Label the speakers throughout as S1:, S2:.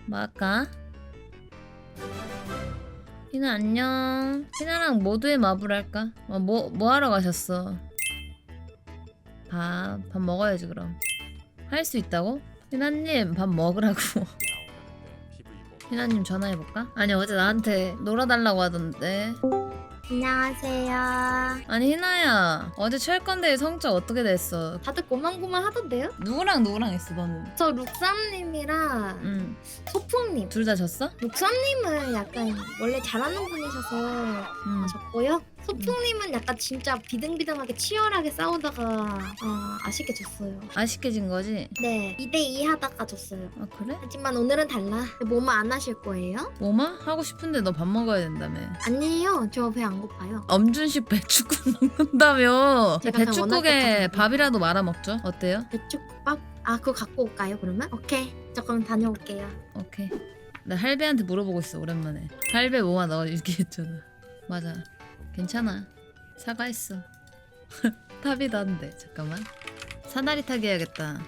S1: 뭐 할까? 희나 안녕. 희나랑 모두의 마블 할까? 뭐 하러 가셨어? 밥 먹어야지 그럼. 할 수 있다고? 희나님 밥 먹으라고. 희나님 전화해볼까? 아니 어제 나한테 놀아달라고 하던데.
S2: 안녕하세요.
S1: 아니 희나야 어제 체육관대회 성적 어떻게 됐어?
S2: 다들 고만고만 하던데요?
S1: 누구랑 했어 너는?
S2: 저 룩삼님이랑
S1: 응.
S2: 소풍님.
S1: 둘 다 졌어?
S2: 룩삼님은 약간 원래 잘하는 분이셔서
S1: 응.
S2: 졌고요. 소풍님은 약간 진짜 비등비등하게 치열하게 싸우다가 아쉽게 졌어요.
S1: 아쉽게 진 거지?
S2: 네, 2대2 하다가 졌어요.
S1: 아 그래?
S2: 하지만 오늘은 달라. 뭐뭐 안 하실 거예요?
S1: 뭐마? 하고 싶은데 너 밥 먹어야 된다며.
S2: 아니에요. 저 배 안 고파요.
S1: 엄준식 배추국 먹는다며.
S2: 제가 그냥 원할
S1: 배추국에
S2: 것
S1: 밥이라도 말아 먹죠. 어때요?
S2: 배추국밥? 아, 그거 갖고 올까요, 그러면? 오케이. 저 그럼 다녀올게요.
S1: 오케이. 나 할배한테 물어보고 있어 오랜만에. 할배 뭐마 너 얘기했잖아. 맞아. 괜찮아. 사과했어. 탑이다 한데 잠깐만. 사다리 타기 해야겠다.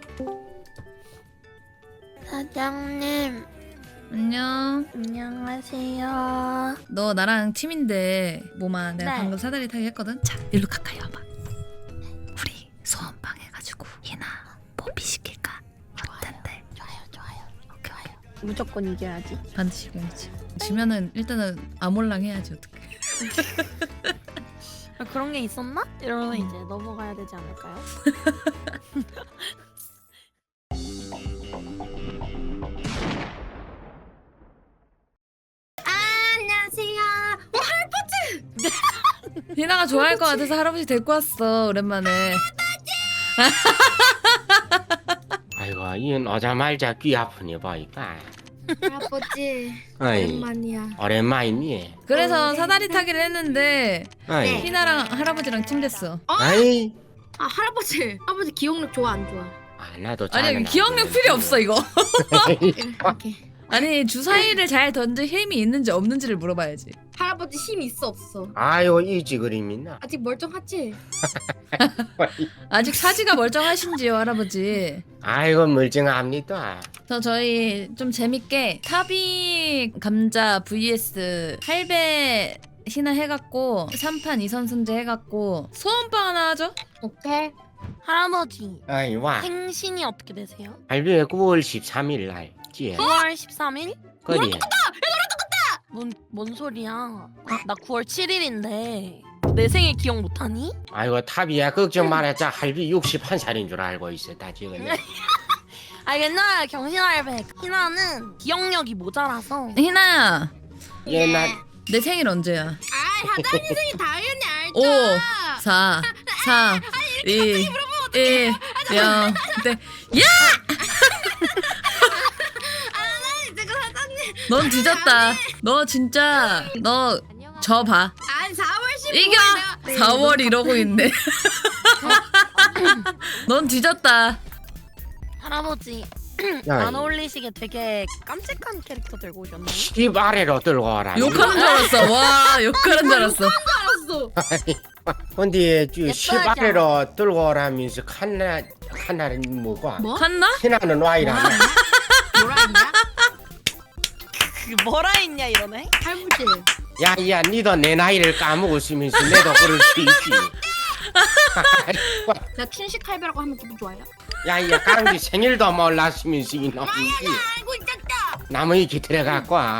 S2: 사장님,
S1: 안녕.
S2: 안녕하세요.
S1: 너 나랑 팀인데 뭐마 내가
S2: 네.
S1: 방금 사다리 타기 했거든. 자 일로 가까이 와봐. 우리 소원방 해가지고 희나 뽀삐 시킬까? 어떤데?
S2: 좋아요.
S1: 오케이.
S2: 무조건 이겨야지.
S1: 반드시 이겨야지. 지면은 일단은 아몰랑 해야지 어떡해.
S3: 그런 게 있었나? 이러면 이제 넘어가야 되지 않을까요?
S2: 안녕하세요.
S1: 희나가 좋아할 것 같아서 할아버지 데리고 왔어 오랜만에.
S4: 아이고 이건 오자말자 귀 아프니 보니까
S2: 할아버지,
S4: 어이
S2: 오랜만이야.
S4: 오랜만이니
S1: 그래서 사다리 타기를 했는데
S4: 어이
S2: 네.
S1: 희나랑 할아버지랑 팀 됐어.
S4: 아이
S2: 할아버지 기억력 좋아 안 좋아?
S4: 나도
S1: 아니
S4: 잘은
S1: 기억력
S4: 안
S1: 필요 없어 이거.
S2: 이렇게.
S1: 아니 주사위를 잘 던질 힘이 있는지 없는지를 물어봐야지.
S2: 할아버지 힘 있어 없어?
S4: 아이고 이지 그림이나
S2: 아직 멀쩡하지?
S1: 아직 사지가 멀쩡하신지요 할아버지?
S4: 아이고 멀쩡합니다.
S1: 저희 좀 재밌게 타비 감자 vs 할배 희나 해갖고 3판 2선승제 해갖고 소원빵 하나 하죠?
S2: 오케이.
S3: 할아버지
S4: 아이 와
S3: 생신이 어떻게 되세요?
S4: 할배 9월 13일 날지
S3: 9월 13일?
S4: 그리
S3: 뭔 소리야? 나 9월 7일인데 내 생일 기억 못하니?
S4: 아이고 탑이야 걱정 말아자 할배 61살인 줄 알고 있었다 지금.
S3: 아 옛날 경신할배 희나는 기억력이 모자라서
S1: 희나야
S4: 옛날
S1: 내 생일 언제야?
S2: 아, 사장님 생일 당연히 알죠.
S1: 5 4 3 2 1 0 네. 야!
S2: 제가 사장님.
S1: 넌 뒤졌다. 너 진짜 너 져봐.
S2: 아니 4월 15일
S1: 이겨. 4월 이러고 있네. 넌 뒤졌다.
S3: 할아버지 안 어울리시게 되게 깜찍한 캐릭터 들고 오셨네.
S4: 집 아래로 들고 오라.
S1: 욕하는 줄 알았어. 와 욕하는 줄 알았어.
S2: 알았어.
S4: 근데 집
S3: 예뻐하자.
S4: 아래로 들고 오라면서 칸나는 뭐고?
S2: 뭐?
S1: 갔나?
S4: 희나는 와이라네.
S2: 뭐라 했냐?
S3: 뭐라 했냐 이러네.
S2: 할아버지.
S4: 야야 니도 내 나이를 까먹었으면서 내도 그럴 수 있지.
S2: 나 춘식 할배라고 하면 기분 좋아요?
S4: 야야 강지 생일도 몰랐으면서 이놈이지.
S2: 알고 있었다.
S4: 나무위 기틀어갖고 와.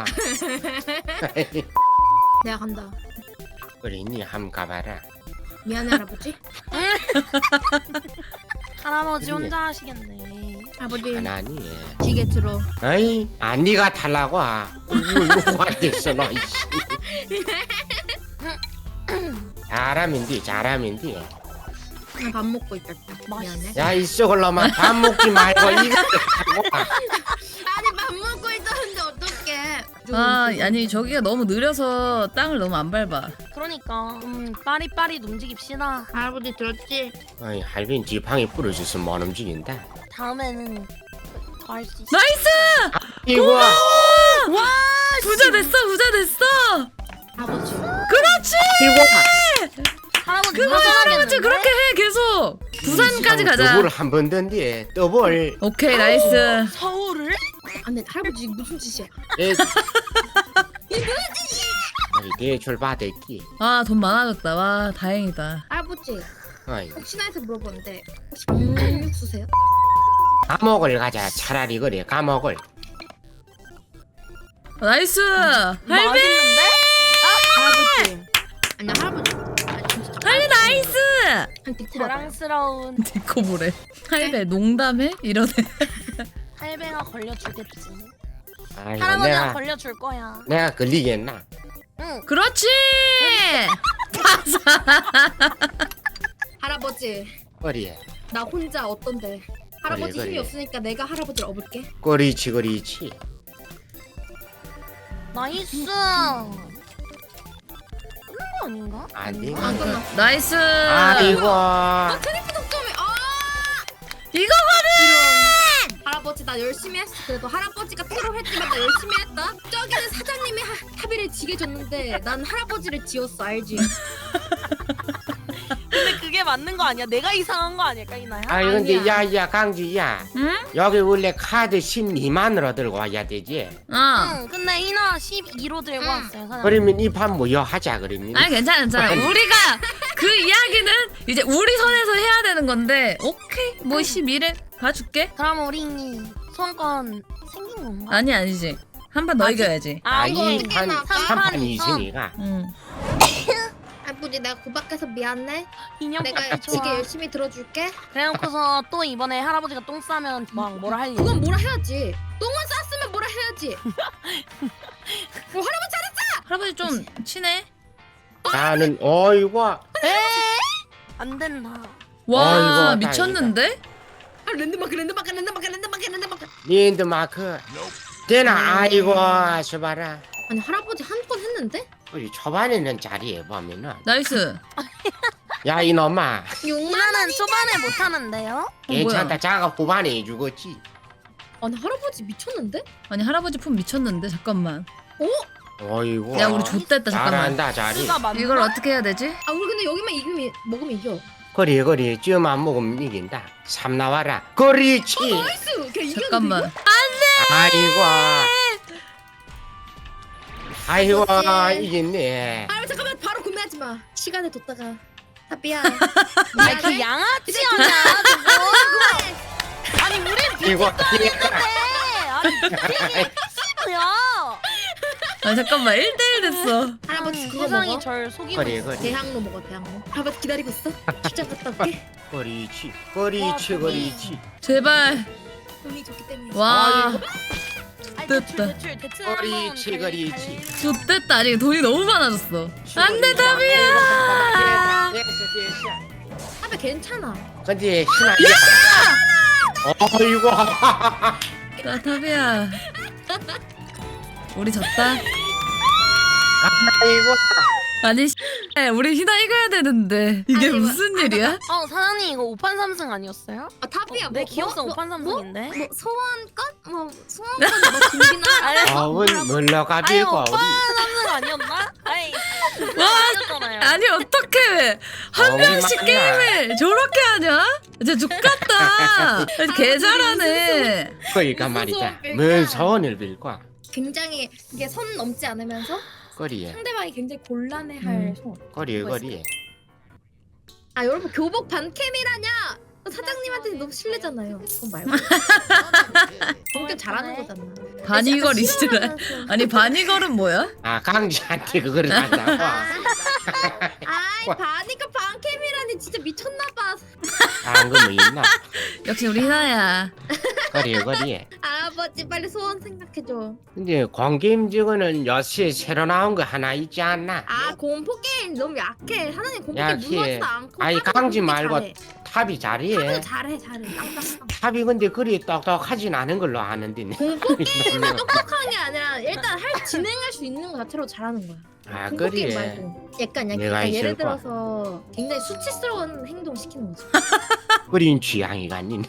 S2: 내가 간다.
S4: 그래 니 한번 가봐라.
S2: 미안해 할아버지.
S3: 할아버지 혼자 하시겠네.
S2: 할아버지
S4: 하나니.
S2: 지게 들어.
S4: 아이 안 니가 탈라고 와. 누가 됐어 너 이씨. 잘하면 돼.
S2: 나 밥 먹고 있다. 미안해.
S4: 야 이쪽을 놈아 밥 먹지 말고 이거 하고 와.
S2: 아니 밥 먹고 있었는데 어떡해?
S1: 아 아니 저기가 너무 느려서 땅을 너무 안 밟아.
S3: 그러니까 빠릿빠릿 움직입시다.
S2: 할아버지 들었지?
S4: 아이 할빈 지팡이 부러져서 못 움직인다.
S3: 다음에는 더 할 수 있어.
S1: 나이스!
S4: 이거
S1: 와 부자 됐어.
S2: 할아버지.
S1: 그렇지.
S4: 이거
S3: 할아버지
S1: 그거 할아버지 그렇게 해 계속. 부산까지 가자.
S4: 더블 한번 던데 더블.
S1: 오케이 나이스.
S3: 서울을?
S2: 안돼 할아버지 이게 무슨 짓이야?
S4: 내 아니 대출 받을게.
S1: 아 돈 많아졌다. 와 다행이다.
S2: 할아버지
S4: 어이,
S2: 혹시나 해서 물어보는데 혹시 공육수세요?
S4: 감옥을 가자. 차라리 그래 감옥을.
S1: 나이스. 할배.
S3: 맛있는데?
S2: 할아버지 아니 할아버지 진짜
S1: 할배 나이스.
S2: 한 뒷코 봐봐요.
S3: 자랑스러운
S1: 디코 뭐래? 할배 농담해? 이러네.
S3: 할배가 걸려주겠지.
S4: 아이고
S3: 할아버지가 걸려줄 거야.
S4: 내가 걸리겠나?
S3: 응.
S1: 그렇지.
S2: 할아버지
S4: 그래.
S2: 나 혼자 어떤데? 할아버지
S4: 그래,
S2: 힘이
S4: 그래.
S2: 없으니까 내가 할아버지를 업을게.
S4: 그렇지 그렇지.
S3: 나이스. 끝난 거 아닌가?
S4: 아니.
S2: 안 끝났어.
S1: 나이스.
S4: 아이고.
S2: 트리플 득점이
S1: 이거거든.
S2: 이런. 할아버지 나 열심히 했어. 그래도 할아버지가 트롤했지만 나 열심히 했다. 저기는 사장님이 합의를 지게 줬는데 난 할아버지를 지었어 알지?
S3: 근데 그게 맞는 거 아니야? 내가 이상한 거 아닐까 이나야?
S4: 아니 근데
S2: 아니야.
S4: 야야 강지야.
S1: 응?
S4: 여기 원래 카드 12만으로 들고 와야 되지.
S1: 어.
S3: 응. 근데 이나 12로 들고 왔어요 사장님.
S4: 그러면 이 판 뭐여 하자 그러면.
S1: 아니 괜찮아 괜찮아. 우리가 그 이야기는 이제 우리 선에서 해야 되는 건데 오케이 뭐 12래 봐줄게.
S3: 그럼 우리 소원권 생긴 건가?
S1: 아니 아니지. 한 판 더
S3: 아직-
S1: 이겨야지.
S4: 아,
S3: 이거
S4: 이 판,
S3: 삼판
S4: 3판
S3: 이선.
S4: 있으니까.
S1: 응.
S2: 할아버지 내가 고박해서 미안해.
S3: 인형
S2: 내가
S3: 같이
S2: 지게
S3: 좋아.
S2: 열심히 들어줄게.
S3: 그래놓고서 또 이번에 할아버지가 똥 싸면 막 뭐라 할 일.
S2: 그건 뭐라 해야지. 똥을 쌌으면 뭐라 해야지. 할아버지 잘했어.
S1: 할아버지 좀 친해?
S4: 나는 어이구.
S3: 안 된다.
S1: 와
S4: 아이고,
S1: 미쳤는데?
S2: 아, 랜드마크.
S4: 랜드마크. 되나? 아이고 수바라.
S2: 아니 할아버지 한 건 했는데?
S4: 우리 초반에는 자리에 보면은
S1: 나이스.
S4: 야 이놈아
S2: 6만
S3: 이나는 초반에 못하는데요?
S4: 괜찮다.
S1: 뭐야?
S4: 자가 후반에 해주겠지.
S2: 아니 할아버지 미쳤는데?
S1: 아니 할아버지 품 미쳤는데 잠깐만.
S4: 어이구.
S1: 야 우리 좆됐다 잠깐만.
S4: 잘한다 자리.
S3: 수가 맞나?
S1: 이걸 어떻게 해야 되지?
S2: 아 우리 근데 여기만 먹으면 이겨.
S4: 그래 찌만 먹으면 이긴다. 3 나와라. 그렇지.
S2: 나이스. 그냥 이겼는데
S1: 잠깐만.
S2: 이거?
S4: 아이고
S2: 그렇지.
S4: 이겼네.
S2: 아 잠깐만 바로 구매하지 마. 시간을 뒀다가. 하비야.
S3: 아니 그 양아치 아니야 저거. 아니 우린
S4: 이거
S3: 비슷한데. 아니 비슷해.
S1: 아니 잠깐만 1대1 됐어.
S2: 할아버지 그거
S3: 세상이
S2: 먹어.
S3: 절 속이고
S4: 그래
S3: 있어.
S4: 그래.
S2: 대학로 먹어 대학로. 할아버지 기다리고 있어. 직장 갔다 올게.
S4: 그렇지
S3: 와,
S4: 그렇지.
S1: 제발.
S2: 돈이 좋기 때문에.
S1: 와
S3: 아니,
S1: 됐다.
S3: 대출
S4: 그렇지, 그렇지.
S1: 좆됐다. 아니 돈이 너무 많아졌어. 안돼 답이야.
S4: 됐어.
S2: 하비 괜찮아.
S4: 근데 신하야. 어이구.
S1: 나 답이야. 우리 졌다.
S4: 아이고.
S1: 아니 우리 희나 이겨야 되는데 이게
S2: 아니,
S1: 무슨 일이야?
S3: 사장님 이거 5판 3승 아니었어요?
S2: 아 타비야
S3: 내 기억상 5판
S2: 뭐
S3: 3승인데.
S2: 뭐 소원권? 뭐 소원권 뭐 준비나.
S4: 어운 뭘로
S3: 아니
S4: 가비고
S3: 5판
S4: 우리.
S3: 3승 아니었나? 아니 아니었잖아요.
S1: 아니 어떻게 한
S4: 우리
S1: 명씩
S4: 만나.
S1: 게임을 저렇게 하냐? 진짜 죽겠다. 개 잘하네.
S4: 그러니까 말이다. 뭔 소원을 빌고.
S2: 굉장히 이게 선 넘지 않으면서
S4: 거리에
S2: 상대방이 굉장히 곤란해할
S1: 음.
S2: 소원.
S4: 거리에.
S2: 아 여러분 교복 반캠이라냐? 사장님한테 너무 실례잖아요. 그건 말고. 성격 잘하는 거잖아.
S1: 바니걸이시더라. 아니 바니걸은 뭐야?
S4: 아 강지한테 그거를 한다고.
S2: 아이 바니까 반캠이라니 진짜 미쳤나봐.
S4: 안 그뭐 있나?
S1: 역시 우리 희나야.
S4: 거리에.
S2: 아버지 빨리 소원 생각해줘.
S4: 근데 공게임 저거는 요새 새로 나온 거 하나 있지 않나?
S2: 아 공포 게임 너무 약해. 사장님 공포
S4: 야,
S2: 게임
S4: 키.
S2: 무섭지도 않고.
S4: 아니,
S2: 타도
S4: 강지
S2: 공포
S4: 말고
S2: 잘해.
S4: 탑이 잘해.
S2: 타도 잘해. 땅땅땅.
S4: 탑이 근데 그리 똑똑하진 않은 걸로 아는데.
S2: 공포 게임만 똑똑한 게 아니라 일단 진행할 수 있는 거 자체로 잘하는 거야.
S4: 아
S2: 공포 게임
S4: 그래.
S2: 말고 약간
S4: 내가
S2: 예를
S4: 있을 거야.
S2: 들어서 굉장히 수치스러운 행동 시키는 거지.
S4: 그린 취향이 아닌.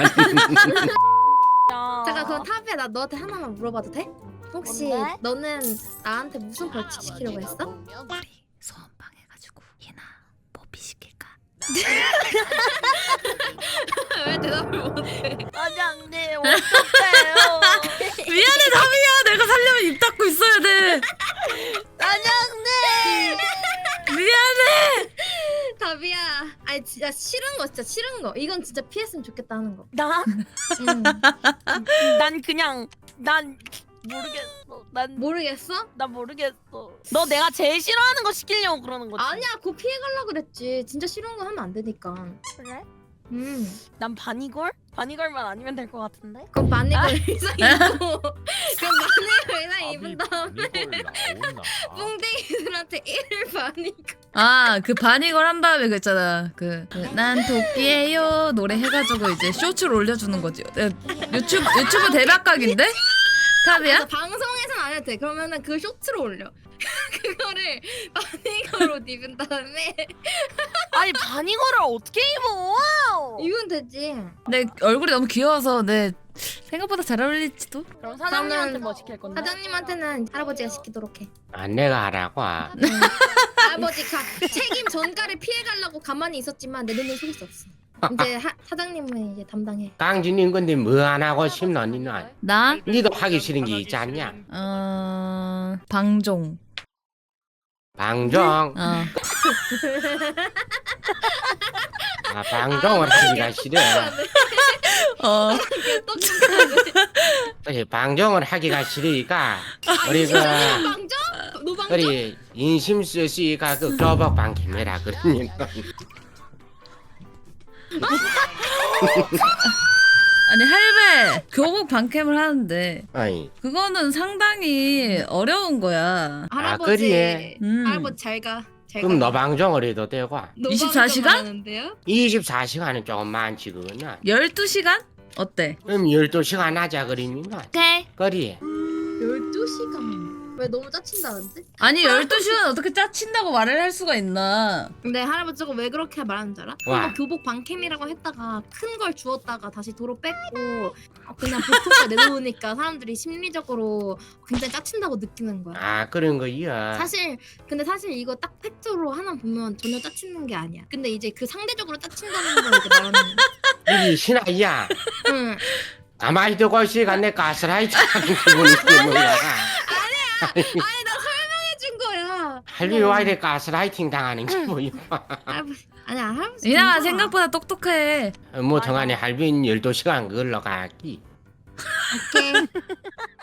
S2: 잠깐 그럼 타비야 나 너한테 하나만 물어봐도 돼? 혹시
S3: 뭔데?
S2: 너는 나한테 무슨 벌칙 시키려고 했어?
S1: 소원방 해가지고 희나 뽀삐 시킬까?
S2: 왜 대답을 못해?
S3: 사장님 어떡해요?
S2: 진짜 싫은 거 진짜 싫은 거. 이건 진짜 피했으면 좋겠다 하는 거.
S3: 나?
S2: 응.
S3: 난 그냥 난 모르겠어. 난
S2: 모르겠어?
S3: 모르겠어. 너 내가 제일 싫어하는 거 시키려고 그러는 거지?
S2: 아니야, 그거 피해가려고 그랬지. 진짜 싫은 거 하면 안 되니까.
S3: 그래?
S2: 난
S3: 바니걸? 바니걸만 아니면 될 것 같은데?
S2: 그럼 바니걸 의상 입고 그럼 바니걸 의상 입은 다음에 뿡댕이들한테 1일 바니걸.
S1: 아, 그 바니걸 한 다음에 그 있잖아. 난 도끼예요 노래 해가지고 이제 쇼츠를 올려주는 거지. 유튜브 대박각인데? 탑이야?
S2: 그래서 방송에서는 안 해도 돼. 그러면은 그 쇼츠로 올려. 그거를 바니걸로 입은 다음에
S3: 아니 바니걸을 어떻게 입어?
S2: 입으면 되지.
S1: 내 얼굴이 너무 귀여워서 내 생각보다 잘 어울릴지도?
S3: 그럼 사장님한테
S2: 그러면
S3: 뭐 시킬 건데?
S2: 사장님한테는 할아버지가 시키도록 해.
S4: 아, 내가 하라고.
S2: 할아버지가 책임 전가를 피해가려고 가만히 있었지만 내 눈을 속일 수 없어. 이제 사장님은 이제 담당해.
S4: 깡진인 건데 뭐 안 하고 싶노 니는?
S1: 나?
S4: 니도 하기 싫은 게 있지 않냐?
S1: 방종.
S4: 방종.
S1: 어.
S4: 아, 방종을 하기가 싫어.
S1: 어.
S4: 그래, 방종을 하기가 싫으니까 우리 그
S2: 방정? 노방정?
S4: 우리 인심 쓰시가 그 교복 방김해라 그러니까.
S1: 아니 할배 교복 방캠을 하는데
S4: 아이,
S1: 그거는 상당히 어려운 거야.
S2: 할아버지.
S4: 그래.
S2: 할아버지 잘 가. 잘
S4: 그럼
S2: 가.
S4: 너 방종을 해도 되고.
S1: 24시간?
S2: 하는데요?
S4: 24시간은 조금 많지 그거는.
S1: 12시간? 어때?
S4: 그럼 12시간 하자 그러면.
S1: 오케이.
S4: 그래.
S2: 12시간. 왜 너무 짜친다는데?
S1: 아니 12시간 어떻게 짜친다고 말을 할 수가 있나?
S2: 근데 할아버지가 왜 그렇게 말하는 줄 알아?
S4: 와.
S2: 한번 교복 방캠이라고 했다가 큰 걸 주었다가 다시 도로 뺐고 그냥 보통에 내놓으니까 사람들이 심리적으로 굉장히 짜친다고 느끼는 거야.
S4: 아 그런 거야.
S2: 근데 사실 이거 딱 팩트로 하나 보면 전혀 짜치는 게 아니야. 근데 이제 그 상대적으로 짜친다는 걸 이제 말하는 거야.
S4: 이 신아이야.
S2: 응.
S4: 가만히 두고 있으니까 내 가스라이트 하는 기분이 드는
S2: 아니 나 설명해준 거야.
S4: 할비 와야 돼 가스라이팅 당하는 기분이.
S2: 할아버지 아니야 할아버지.
S1: 이나가
S2: 괜찮아.
S1: 생각보다 똑똑해.
S4: 뭐 동안에 할비는 12시간 걸러 가기.
S2: 오케이.